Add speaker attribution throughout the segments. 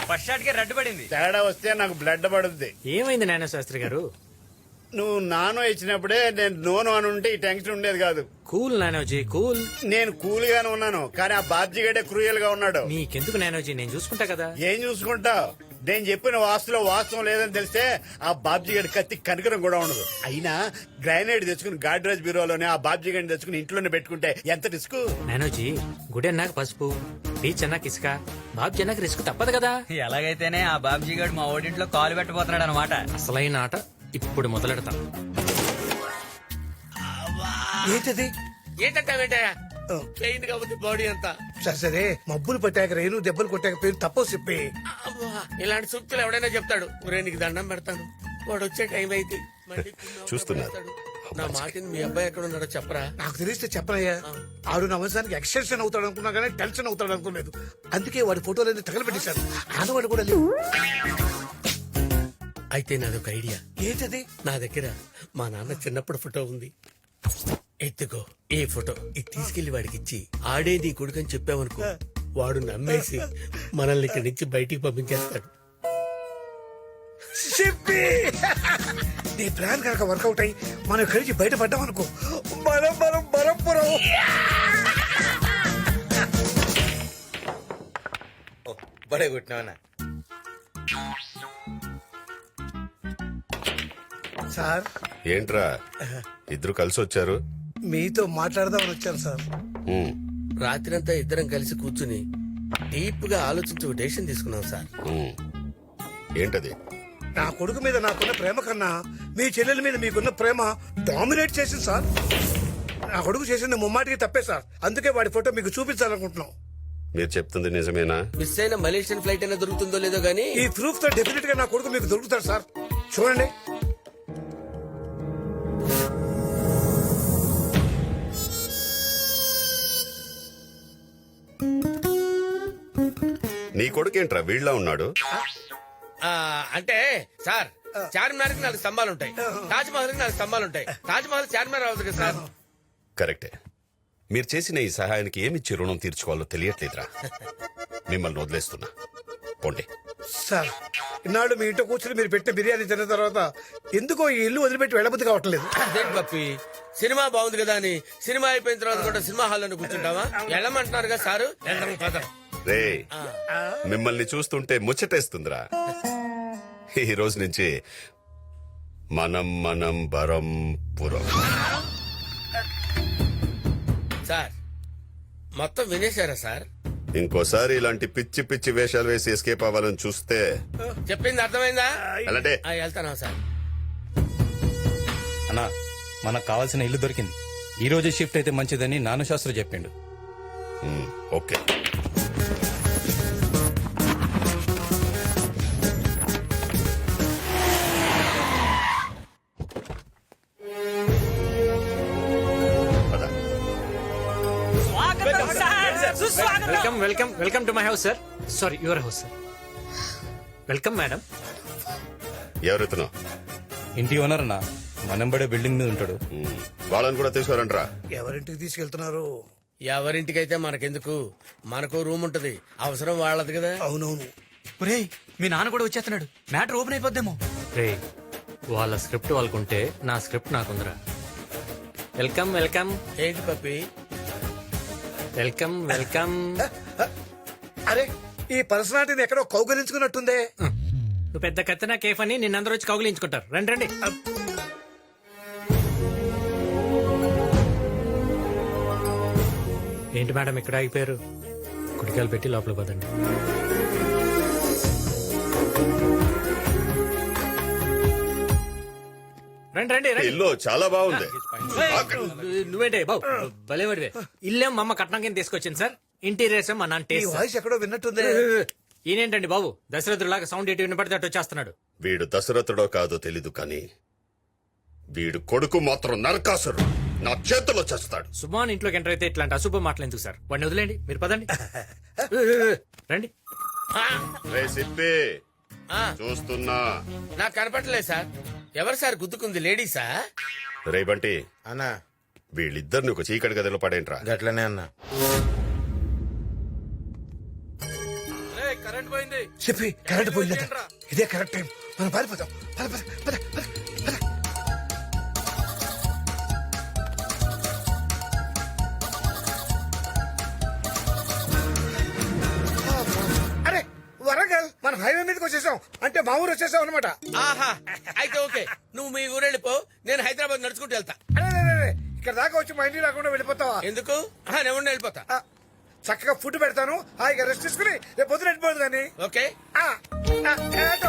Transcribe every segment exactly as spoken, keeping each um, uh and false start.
Speaker 1: First shot కి red పడింది.
Speaker 2: తేడా వస్తే నాకు బ్లడ్ పడుద్ది.
Speaker 3: ఏమైంది నాన్న శాస్త్రి గారు?
Speaker 2: నువ్వు నానో ఇచ్చినప్పుడే నేను నోను అని ఉంటే ఈ టెన్షన్ ఉండేది కాదు.
Speaker 3: కూల్ నానోజీ కూల్.
Speaker 2: నేను కూల్ గానే ఉన్నాను, కానీ ఆ బాబ్జీ గడే క్రూయల్ గా ఉన్నాడు.
Speaker 3: నీకెందుకు నానోజీ, నేను చూసుకుంటా కదా.
Speaker 2: ఏం చూసుకుంటావు? నేను చెప్పిన వాస్తులో వాస్తవం లేదని తెలిస్తే ఆ బాబ్జీ గడి కత్తి కనికరం కూడా ఉండదు. అయినా గ్రానైడ్ తెచ్చుకుని గాడ్రేజ్ బ్యూరోలోనే ఆ బాబ్జీ గడిని తెచ్చుకుని ఇంట్లోనే పెట్టుకుంటే ఎంత రిస్క్.
Speaker 3: నానోజీ, గుడి అన్నాక పసుపు, బీచ్ అన్నాక ఇసుక, బాబ్జీ అన్నాక రిస్క్ తప్పదు కదా.
Speaker 1: ఎలాగైతేనే ఆ బాబ్జీ గారు మా ఓడింట్లో కాలు పెట్టబోతున్నాడు అనమాట.
Speaker 3: అసలైన ఆట ఇప్పుడు మొదలెడతాం.
Speaker 4: ఏంటది?
Speaker 5: ఏంటంటావేంటయ్యా? పెయింట్ కాబట్టి బాడీ అంతా.
Speaker 4: సరే సరే, మబ్బులు పట్టాక రేణు దెబ్బలు కొట్టాక పేరు తప్పో చెప్పి.
Speaker 5: అబ్బా, ఇలాంటి సూక్తులు ఎవడైనా చెప్తాడు. ఒరే నీకు దండం పెడతాను, వాడు వచ్చే టైం అయితే మళ్ళీ
Speaker 6: చూస్తున్నారు.
Speaker 5: నా మాటిని మీ అబ్బాయి ఎక్కడ ఉన్నాడో చెప్పరా.
Speaker 4: నాకు తెలిస్తే చెప్పనయ్యా. ఆడు నా వంశానికి ఎక్స్టెన్షన్ అవుతాడు అనుకున్నా కానీ టెన్షన్ అవుతాడు అనుకోలేదు. అందుకే వాడి ఫోటోలన్నీ తగలబెట్టేశాను. ఆనవాడు కూడా లేవు.
Speaker 5: అయితే నాదొక ఐడియా.
Speaker 4: ఏంటది?
Speaker 5: నా దగ్గర మా నాన్న చిన్నప్పుడు ఫోటో ఉంది. ఎత్తుకో ఈ ఫోటో, ఇది తీసుకెళ్లి వాడికి ఇచ్చి ఆడే నీ కొడుకని చెప్పావనుకో, వాడు నమ్మేసి మనల్ని ఇక్కడి నుంచి బయటికి పంపించేస్తాడు.
Speaker 4: చెప్పి నీ ప్లాన్ కనుక వర్కౌట్ అయ్యి మనం కలిసి బయటపడ్డాం అనుకో, మనం మనం బరంపురం.
Speaker 7: బడే కొట్టినావనా?
Speaker 4: సార్
Speaker 6: ఏంట్రా ఇద్దరు కలిసి వచ్చారు?
Speaker 4: మీతో మాట్లాడదామని వచ్చాను సార్.
Speaker 6: ఉమ్,
Speaker 5: రాత్రంతా ఇద్దరం కలిసి కూర్చుని డీప్ గా ఆలోచించి ఒక డెసిషన్ తీసుకున్నాం సార్.
Speaker 6: ఉమ్. ఏంటది?
Speaker 4: నా కొడుకు మీద నాకున్న ప్రేమ కన్నా మీ చెల్లెల మీద మీకున్న ప్రేమ డామినేట్ చేసింది సార్. నా కొడుకు చేసింది ముమ్మాటికి తప్పే సార్. అందుకే వాడి ఫోటో మీకు చూపించాలనుకుంటున్నాం.
Speaker 6: మీరు చెప్తుంది నిజమేనా?
Speaker 5: మిస్ అయిన మలేషియన్ ఫ్లైట్ అయినా దొరుకుతుందో లేదో గానీ
Speaker 4: ఈ ప్రూఫ్ తో డెఫినెట్ గా నా కొడుకు మీకు దొరుకుతాడు సార్. చూడండి.
Speaker 6: నీ కొడుకేంట్రా వీళ్ళ ఉన్నాడు?
Speaker 5: ఆ, అంటే సార్, చార్మినార్ కి నాలుగు స్తంభాలు ఉంటాయి, తాజ్ మహల్ కి నాలుగు స్తంభాలు ఉంటాయి. తాజ్ మహల్ చార్మినార్ అవుతుంది కదా సార్.
Speaker 6: కరెక్టే. మీరు చేసిన ఈ సహాయానికి ఏమిచ్చి రుణం తీర్చుకోవాలో తెలియట్లేదురా. మిమ్మల్ని వదిలేస్తున్నా, పోండి.
Speaker 4: సార్, ఇన్నాళ్ళు మీ ఇంట్లో కూర్చుని మీరు పెట్టిన బిర్యానీ తిన్న తర్వాత ఎందుకో ఈ ఇల్లు వదిలిపెట్టి వెళ్ళబుద్ధి కావట్లేదు.
Speaker 5: అదేంటి పప్పి, సినిమా బాగుంది కదా అని సినిమా అయిపోయిన తర్వాత కూడా సినిమా హాల్ లో కూర్చుంటావా? వెళ్ళమంటున్నారు కదా సారు. వెళ్దాం పద.
Speaker 6: రే, మిమ్మల్ని చూస్తుంటే ముచ్చటేస్తుందిరా. ఈ రోజు నుంచి మనం మనం బరం పురం.
Speaker 5: సార్, మొత్తం వినేశారా సార్?
Speaker 6: ఇంకోసారి ఇలాంటి పిచ్చి పిచ్చి వేషాలు వేసి ఎస్కేప్ అవ్వాలని చూస్తే
Speaker 5: చెప్పింది అర్థమైందా?
Speaker 6: అలాంటే
Speaker 5: ఆ, వెళ్తానా సార్?
Speaker 8: అన్నా, మనకు కావాల్సిన ఇల్లు దొరికింది. ఈ రోజు షిఫ్ట్ అయితే మంచిదని నాను శాస్త్రి చెప్పిండు.
Speaker 6: Um, okay. పద.
Speaker 3: Welcome welcome welcome to my house sir. Sorry, your house sir. Welcome madam.
Speaker 6: ఎవరెత్తునో?
Speaker 8: ఇంటి ఓనర్ అన్నా, మనంబడే బిల్డింగ్ మీద ఉంటాడు.
Speaker 6: ఉమ్, వాళ్ళని కూడా తీసుకురంట్రా.
Speaker 4: ఎవరింటికి తీసుకెళ్తున్నారు?
Speaker 5: ఎవరింటికైతే మనకెందుకు, మనకు రూమ్ ఉంటది, అవసరం వాళ్ళది కదా.
Speaker 4: అవునవును.
Speaker 1: ఒరేయ్, మీ నాన్న కూడా వచ్చేస్తున్నాడు, మ్యాటర్ ఓపెన్ అయిపోద్దేమో.
Speaker 3: రే, వాళ్ళ స్క్రిప్ట్ వాళ్ళకుంటే నా స్క్రిప్ట్ నాకుందిరా. వెల్కమ్ వెల్కమ్
Speaker 5: ఏంటి పప్పి?
Speaker 3: Welcome welcome.
Speaker 4: అరే, ఈ పర్సనాలిటీని ఎక్కడో కౌగలించుకున్నట్టుందే.
Speaker 3: నువ్వు పెద్ద కత్తినా కేఫ్ అని నిన్నందరూ వచ్చి కౌగిలించుకుంటారు. రండి రండి. ఏంటి మేడం ఇక్కడ ఆగిపోయారు? కుడికాయలు పెట్టి లోపల పదండి. రండి రండి రండి.
Speaker 6: ఇల్లు చాలా బాగుంది.
Speaker 3: నువ్వేంటే బాబు భలేవాడివే. ఇల్లేం మా అమ్మ కట్నం కింద తీసుకొచ్చింది సార్. ఇంటీరియర్స్ మా నాన్న
Speaker 4: ఈ
Speaker 3: టేస్ట్.
Speaker 4: వాయిస్ ఎక్కడో విన్నట్టుందే.
Speaker 3: ఈయనేంటండి బాబు దశరథులాగా సౌండ్ ఎటు వినపడితే అటు వచ్చేస్తున్నాడు.
Speaker 6: వీడు దశరథుడో కాదో తెలీదు కానీ వీడు కొడుకు మాత్రం నరకాసురు. నా చేతిలో చేస్తాడు.
Speaker 3: సుమాన్ ఇంట్లోకి ఎంటర్ అయితే ఇట్లాంటి అశుభ మాటలు ఎందుకు సార్? వాడిని వదిలేండి, మీరు పదండి. రండి.
Speaker 6: రే సిప్పి,
Speaker 5: ఆ,
Speaker 6: చూస్తున్నా.
Speaker 5: నాకు కనపడలేదు సార్. ఎవరు సార్ గుద్దుకుంది? లేడీసా?
Speaker 6: రే బంటి,
Speaker 7: అన్నా
Speaker 6: వీళ్ళిద్దరిని ఒక చీకటి గదిలో పడేంట్రా.
Speaker 7: గట్లనే అన్నా.
Speaker 4: చెప్పి కరెంట్ పోయిందట. ఇదే కరెక్ట్ టైం, మనం పారిపోతాం. పద పద పద పద పద. అరే వరంగల్, మనం హైవే మీదకి వచ్చేసాం. అంటే మా ఊరు వచ్చేసాం అనమాట.
Speaker 7: ఆహా అయితే ఓకే, నువ్వు మీ ఊరు వెళ్ళిపో, నేను హైదరాబాద్ నడుచుకుంటూ వెళ్తా.
Speaker 4: అరే, అరే, అరే, ఇక్కడ దాకా వచ్చి మా ఇంటికి రాకుండా వెళ్ళిపోతావా?
Speaker 7: ఎందుకు? ఆహా, నేను ఉండి వెళ్ళిపోతా.
Speaker 4: ఆ, చక్కగా ఫుడ్ పెడతాను, హాయిగా రెస్ట్ తీసుకుని రేపు పొద్దున వెళ్ళిపోదు కానీ.
Speaker 7: ఓకే
Speaker 4: ఆ, ఆ, ఏటో.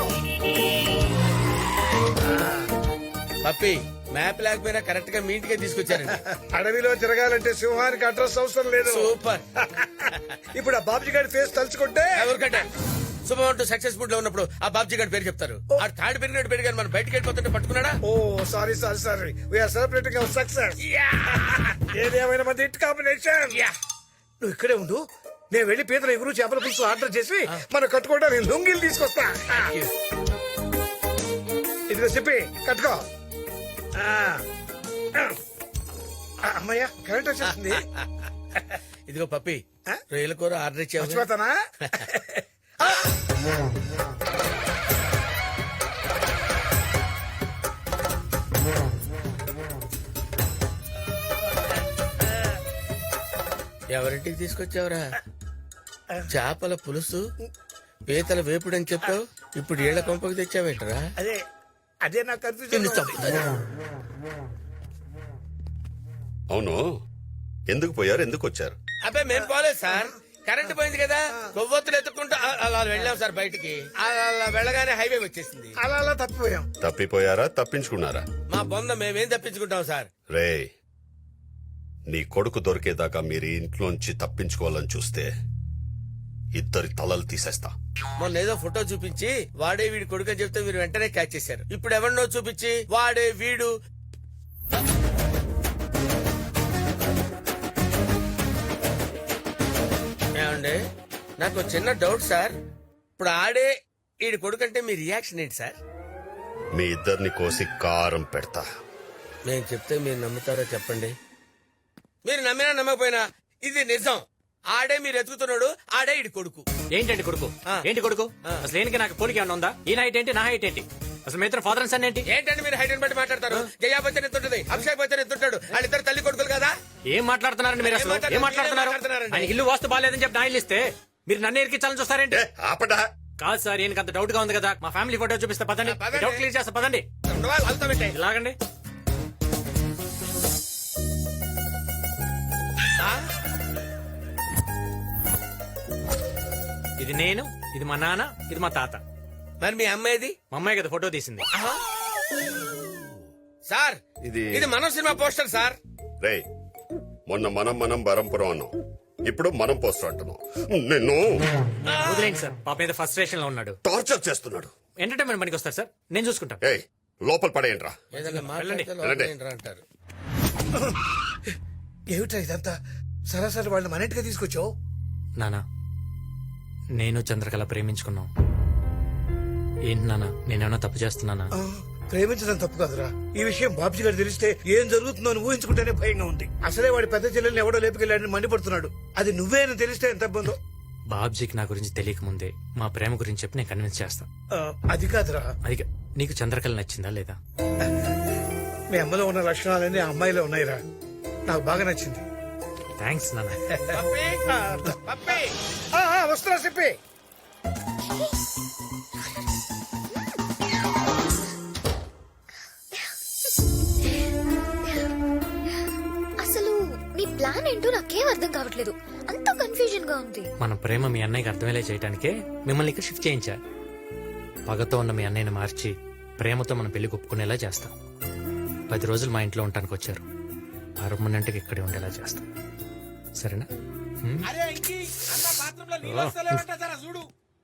Speaker 7: పప్పి, మ్యాప్ లేకపోయినా కరెక్ట్ గా మీ ఇంటికే తీసుకొచ్చారండి.
Speaker 4: అడవిలో తిరగాలంటే సింహానికి అడ్రస్ అవసరం లేదు.
Speaker 7: సూపర్.
Speaker 4: ఇప్పుడు ఆ బాబుజీ గారి ఫేస్ తలుచుకుంటే
Speaker 7: ఎవరికంటే శుభం అంటూ సక్సెస్ఫుల్ లో ఉన్నప్పుడు ఆ బాబ్జీ గారి పేరు చెప్తారు. ఆ థర్డ్ పెరిగినట్టు పెరిగారు, మనం బయటకు వెళ్ళిపోతుంటే పట్టుకున్నాడా?
Speaker 4: Oh sorry sorry sorry, we're celebrating our success. ఏదేమైనా మంది హిట్ కాంబినేషన్. నువ్వు ఇక్కడే ఉండు, నేను వెళ్ళి పీతల ఎగురు చేపల పులుసు ఆర్డర్ చేసి మనం కట్టుకోవడానికి లుంగిలు తీసుకొస్తా. ఇదిగో చెప్పి కట్టుకో. ఆ. ఆ, అమ్మయ్యా కరెంట్ వచ్చేస్తుంది.
Speaker 7: ఇదిగో పప్పి,
Speaker 4: ఆ?
Speaker 7: రొయ్యల కూర ఆర్డర్ ఇచ్చావు.
Speaker 4: మర్చిపోతానా? ఆ.
Speaker 7: ఎవరింటికి తీసుకొచ్చావురా? చేపల పులుసు, పీతల వేపుడు అని చెప్పావు, ఇప్పుడు ఏళ్ల కొంపకు తెచ్చావేంటరా?
Speaker 4: అదే అదే నాకు కన్ఫ్యూజన్.
Speaker 6: అవును, ఎందుకు పోయారు, ఎందుకు వచ్చారు?
Speaker 7: అబ్బాయి మేం పోలేదు సార్, కరెంట్ పోయింది కదా, కొవ్వొత్తులు ఎత్తుకుంటూ అ- అలా వెళ్ళాం సార్ బయటికి. అలా అలా వెళ్ళగానే హైవే వచ్చేసింది.
Speaker 4: అలా అలా తప్పిపోయాం.
Speaker 6: తప్పిపోయారా, తప్పించుకున్నారా?
Speaker 7: మా బొంద మేమేం తప్పించుకుంటాం సార్.
Speaker 6: రే, నీ కొడుకు దొరికేదాకా మీరు ఇంట్లోంచి తప్పించుకోవాలని చూస్తే ఇద్దరి తలలు తీసేస్తా.
Speaker 7: మొన్న ఏదో ఫోటో చూపించి వాడే వీడి కొడుకు అని చెప్తే మీరు వెంటనే క్యాచ్ చేశారు. ఇప్పుడు ఎవరినో చూపించి వాడే వీడు. ఏమండి, నాకు చిన్న డౌట్ సార్. ఇప్పుడు ఆడే వీడి కొడుకు అంటే మీ రియాక్షన్ ఏంటి సార్?
Speaker 6: మీ ఇద్దరిని కోసి కారం పెడతా.
Speaker 7: నేను చెప్తే మీరు నమ్ముతారో చెప్పండి. మీరు నమ్మినా నమ్మకపోయినా ఇది నిజం. ఆడే మీరు ఎతుకుతున్నాడు, ఆడే ఇడి కొడుకు.
Speaker 3: ఏంటండి కొడుకు?
Speaker 7: ఆ.
Speaker 3: ఏంటి కొడుకు? అసలు ఏంటి నాకు పోలిక ఏమన్నా ఉందా? ఈ హైట్ ఏంటి, నా హైట్ ఏంటి? అసలు మీ ఇద్దరు ఫాదర్ అండ్ సన్ ఏంటి?
Speaker 7: ఏంటంటే మీరు హైట్ బట్టి మాట్లాడతారు. జయా బచ్చన్ ఎంత ఉంటుంది, అభిషేక్ బచ్చన్ ఎంత ఉంటాడు, వాళ్ళిద్దరు తల్లి కొడుకులు కదా.
Speaker 3: ఏం మాట్లాడుతున్నారండి మీరు? అసలు
Speaker 7: ఏం మాట్లాడుతున్నారు?
Speaker 3: ఏం మాట్లాడుతున్నారు?
Speaker 7: ఏం మాట్లాడుతున్నారండి?
Speaker 3: ఆయన ఇల్లు వాస్తు బాగాలేదని చెప్పి నా ఇల్లు ఇస్తే మీరు నన్ను ఎరికించాలని చూస్తారేంటి?
Speaker 6: ఏ, ఆపడా.
Speaker 3: కాదు సార్, ఈయనకి అంత డౌట్ గా ఉంది కదా, మా ఫ్యామిలీ ఫోటో చూపిస్తే పదండి,
Speaker 7: ఆ, పదండి.
Speaker 3: డౌట్ క్లియర్ చేస్తా పదండి.
Speaker 7: ఉండవా? వాళ్ళతో పెట్టే.
Speaker 3: ఇలాగండి.
Speaker 7: ఆ?
Speaker 3: ఇది నేను, ఇది మా నాన్న, ఇది మా తాత.
Speaker 7: మరి మీ అమ్మాయిది?
Speaker 3: మా అమ్మాయి కదా ఫోటో తీసింది.
Speaker 7: ఆహా. సార్
Speaker 6: ఇది
Speaker 7: ఇది మన సినిమా పోస్టర్ సార్.
Speaker 6: రే, మొన్న మనం మనం బరంపురం అన్నాం, ఇప్పుడు మనం పోస్టర్ అంటున్నాం. నిన్ను
Speaker 3: వదిలేండి సార్, పాప మీద ఫస్ట్ స్టేషన్ లో ఉన్నాడు.
Speaker 6: టార్చర్ చేస్తున్నాడు.
Speaker 3: ఎంటర్టైన్మెంట్ పనికి వస్తారు సార్, నేను చూసుకుంటాను.
Speaker 6: ఏయ్, లోపల పడేయండిరా.
Speaker 7: ఏదైనా మాట్లాడితే
Speaker 6: వెళ్ళండి.
Speaker 7: లోపల ఏంట్రా అంటారు.
Speaker 4: ఏమిటా ఇదంతా? సరాసరి వాళ్ళు మన ఇంటికి తీసుకొచ్చావు.
Speaker 3: నానా, నేను చంద్రకళ ప్రేమించుకున్నాం. ఏంటి నానా, నేనేమన్నా తప్పు చేస్తున్నానా?
Speaker 4: ఆ, ప్రేమించడం తప్పు కాదురా. ఈ విషయం బాబ్జీ గారు తెలిస్తే ఏం జరుగుతుందో అని ఊహించుకుంటేనే భయంగా ఉంది. అసలే వాడి పెద్ద చెల్లెల్ని ఎవడో లేపుకెళ్ళాడని మండిపడుతున్నాడు. అది నువ్వే అని తెలిస్తే ఎంత ఇబ్బందో.
Speaker 3: బాబ్జీకి నా గురించి తెలియక ముందే మా ప్రేమ గురించి చెప్పి నేను కన్విన్స్ చేస్తాను.
Speaker 4: ఆ, అది కాదురా,
Speaker 3: అది కా- నీకు చంద్రకళ నచ్చిందా లేదా?
Speaker 4: మీ అమ్మలో ఉన్న లక్షణాలన్నీ ఆ అమ్మాయిలో ఉన్నాయిరా. నాకు బాగా నచ్చింది.
Speaker 3: థ్యాంక్స్ నాన్న.
Speaker 7: పప్పి, పప్పి.
Speaker 4: ఆ, ఆ, వస్తున్నా చెప్పి.
Speaker 9: అసలు నీ ప్లాన్ ఏంటో నాకేం అర్థం కావట్లేదు. అంత కన్ఫ్యూజన్ గా ఉంది.
Speaker 3: మన ప్రేమ మీ అన్నయ్యకి అర్థమయ్యేలా చేయడానికే మిమ్మల్ని ఇక్కడ షిఫ్ట్ చేయించా. పగతో ఉన్న మీ అన్నయ్యని మార్చి ప్రేమతో మన పెళ్లి ఒప్పుకునేలా చేస్తాం. పది రోజులు మా ఇంట్లో ఉండటానికి వచ్చారు, పర్మనెంట్ గా ఇక్కడే ఉండేలా చేస్తాం. సరేనా? హ్మ్?
Speaker 7: అరే ఇంకి అన్న బాత్రూమ్ లో నీళ్ళు వస్తలేవంట, జరా చూడు.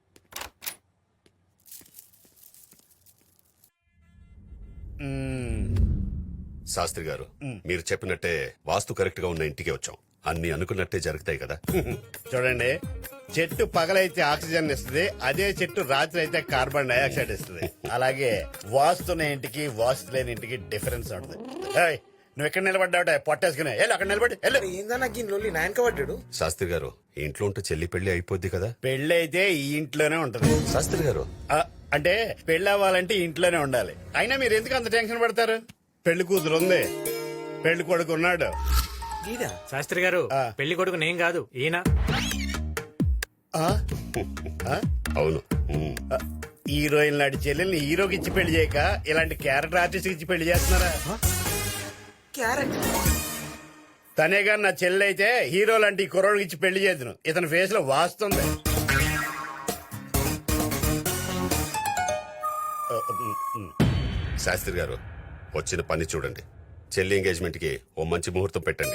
Speaker 6: శాస్త్రి గారు, మీరు చెప్పినట్టే వాస్తు కరెక్ట్ గా ఉన్న ఇంటికి వచ్చాం. అన్ని అనుకున్నట్టే జరుగుతాయి కదా.
Speaker 2: చూడండి, చెట్టు పగలైతే ఆక్సిజన్ ఇస్తుంది, అదే చెట్టు రాత్రి అయితే కార్బన్ డైఆక్సైడ్ ఇస్తుంది. అలాగే వాస్తున్న ఇంటికి వాస్తు లేని ఇంటికి డిఫరెన్స్ ఉంటుంది. ఏయ్, నువ్వు ఎక్కడ నిలబడ్డావుట పొట్టేసుకునే వెళ్ళు, అక్కడ నిలబడి వెళ్ళు.
Speaker 7: ఏందన్నా గిన్నె నాయనక పడ్డాడు.
Speaker 6: శాస్త్రి గారు, ఇంట్లో ఉంటే చెల్లి పెళ్లి అయిపోద్ది కదా.
Speaker 2: పెళ్ళి అయితే ఈ ఇంట్లోనే ఉంటది.
Speaker 6: శాస్త్రి గారు
Speaker 2: ఆ, అంటే పెళ్ళి అవ్వాలంటే ఇంట్లోనే ఉండాలి. అయినా మీరు ఎందుకు అంత టెన్షన్ పడతారు? పెళ్లి కూతురు ఉంది, పెళ్లి కొడుకు ఉన్నాడు.
Speaker 3: శాస్త్రి గారు
Speaker 2: ఆ.
Speaker 3: పెళ్లి కొడుకు నేను కాదు ఈయన.
Speaker 2: ఆ? ఆ?
Speaker 6: అవును. ఉమ్.
Speaker 2: ఆ, హీరోయిన్ లాంటి చెల్లెల్ని హీరోకి ఇచ్చి పెళ్లి చేయక ఇలాంటి క్యారెక్టర్ ఆర్టిస్ట్ ఇచ్చి పెళ్లి చేస్తున్నారా? తనే గాని నా చెల్లి అయితే హీరో లాంటి కుర్రోడికి ఇచ్చి పెళ్లి చేద్దును. ఇతని ఫేస్ లో వాస్తుంది. ఆ, ఉమ్, ఉమ్.
Speaker 6: శాస్త్రి గారు వచ్చిన పని చూడండి. చెల్లి ఎంగేజ్మెంట్ కి ఓ మంచి ముహూర్తం పెట్టండి.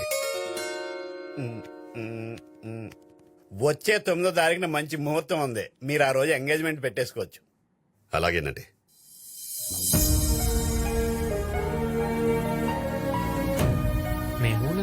Speaker 2: వచ్చే తొమ్మిదో తారీఖున మంచి ముహూర్తం ఉంది. మీరు ఆ రోజు ఎంగేజ్మెంట్ పెట్టేసుకోవచ్చు.
Speaker 6: అలాగేనండి.
Speaker 3: మేమునా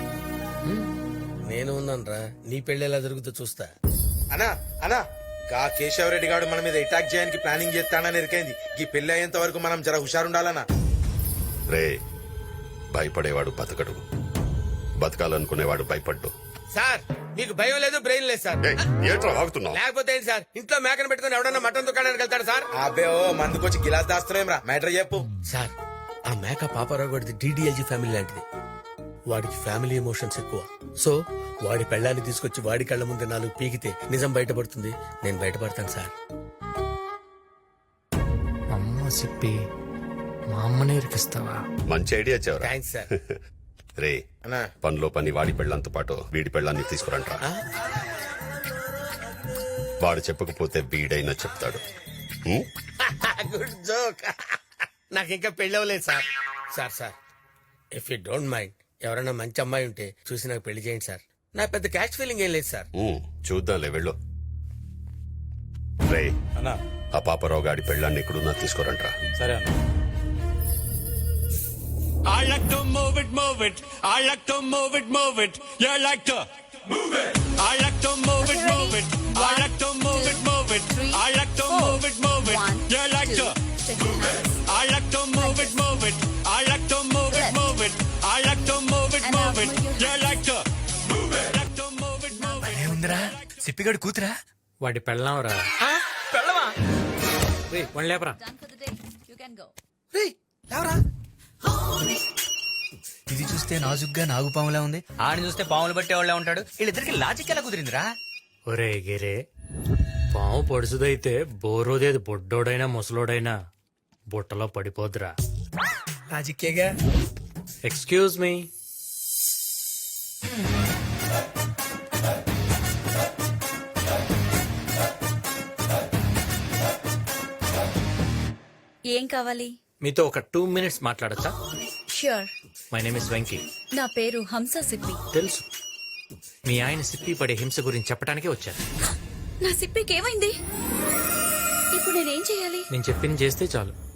Speaker 7: నేను ఉన్నాను రా, నీ పెళ్లి ఎలా జరుగుతుందో చూస్తా.
Speaker 10: అనా అనా గా కేశవరెడ్డి గారు మన మీద అటాక్ చేయడానికి ప్లానింగ్ చేస్తానని ఎరికైంది. ఈ పెళ్లి అయ్యేంత వరకు మనం జర హుషారుండాలనా.
Speaker 6: రే, భయపడేవాడు బతకడు, బతకాలనుకునేవాడు భయపడ్డు.
Speaker 7: సార్ మీకు భయం లేదు, బ్రెయిన్ లేదు సార్.
Speaker 6: ఏయ్, ఏంట్రా వాగుతున్నావు?
Speaker 7: లేకపోతే ఏంటి సార్, ఇంట్లో మేకను పెట్టుకుని ఎవడన్నా మటన్ దుకాణానికి వెళ్తాడు సార్?
Speaker 10: అబ్బే ఓ మందుకొచ్చి గిలాస్ దాస్తున్నాం రా. మ్యాటర్ చెప్పు.
Speaker 7: సార్ ఆ మేక పాపారావు గడిది డీడీఎల్జీ ఫ్యామిలీ లాంటిది. వాడికి ఫ్యామిలీ ఎమోషన్స్ ఎక్కువ. సో వాడి పెళ్ళాన్ని తీసుకొచ్చి వాడి కళ్ళ ముందు నాలుగు పీకితే నిజం బయటపడుతుంది. నేను బయటపడతాను సార్.
Speaker 3: అమ్మ సిప్పి మా అమ్మనే ఇరికిస్తావా?
Speaker 6: మంచి ఐడియా చెవరా.
Speaker 7: Thanks sir.
Speaker 6: రే,
Speaker 10: అన్నా
Speaker 6: పనిలో పని వాడి పెళ్ళంతో పాటు వీడి పెళ్ళాన్ని తీసుకురంట్రా. వాడు చెప్పకపోతే వీడైనా చెప్తాడు. ఉమ్?
Speaker 7: Good joke. నాకు ఇంకా పెళ్ళి అవ్వలేదు sir. Sir sir if you don't mind ఎవరైనా మంచి అమ్మాయి ఉంటే చూసి నాకు పెళ్లి చేయండి సార్. నా పెద్ద క్యాష్ ఫీలింగ్ ఏం లేదు సార్.
Speaker 6: ఉమ్, చూద్దాంలే వెళ్ళు. రే,
Speaker 8: అన్నా
Speaker 6: ఆ పాపరావు గాడి పెళ్ళాన్ని ఎక్కడున్నా తీసుకురంట్రా.
Speaker 8: సరే అన్న.
Speaker 11: I like to move it, move it. I like to move it, move it. You like to move it. I like to move it, move it. I like to move it, move it. I like to move it, move it. You like to move it. I like to move it, move it. I like to move it, move it. I like to move it, move it. You like to move it. Like to move it, move it.
Speaker 1: ఉందిరా సిప్పిగడు కూతురా?
Speaker 3: వాడి పెళ్ళాంరా.
Speaker 1: పెళ్ళవా?
Speaker 3: One లేపరా.
Speaker 1: ఇది చూస్తే నాజుగ్గా నాగుపాములా ఉంది, ఆడిని చూస్తే పాములు పట్టేవాళ్ళే ఉంటాడు. వీళ్ళిద్దరికి లాజిక్ ఎలా కుదిరిందిరా?
Speaker 3: ఒరే గిరే, పాము పొడుసుదైతే బోరోదేది బొడ్డోడైనా ముసలోడైనా బుట్టలో పడిపోద్రా.
Speaker 4: లాజిక్కేగా.
Speaker 3: Excuse me.
Speaker 9: ఏం కావాలి?
Speaker 3: మీతో ఒక టూ మినిట్స్ మాట్లాడచ్చా?
Speaker 9: Sure.
Speaker 3: My name is Venky.
Speaker 9: నా పేరు హంస సిప్పి.
Speaker 3: తెలుసు, మీ ఆయన సిప్పి పడే హింస గురించి చెప్పడానికే వచ్చాను.
Speaker 9: నా సిప్పికి ఏమైంది? ఇప్పుడు నేనేం చేయాలి?
Speaker 3: నేను చెప్పింది చేస్తే చాలు.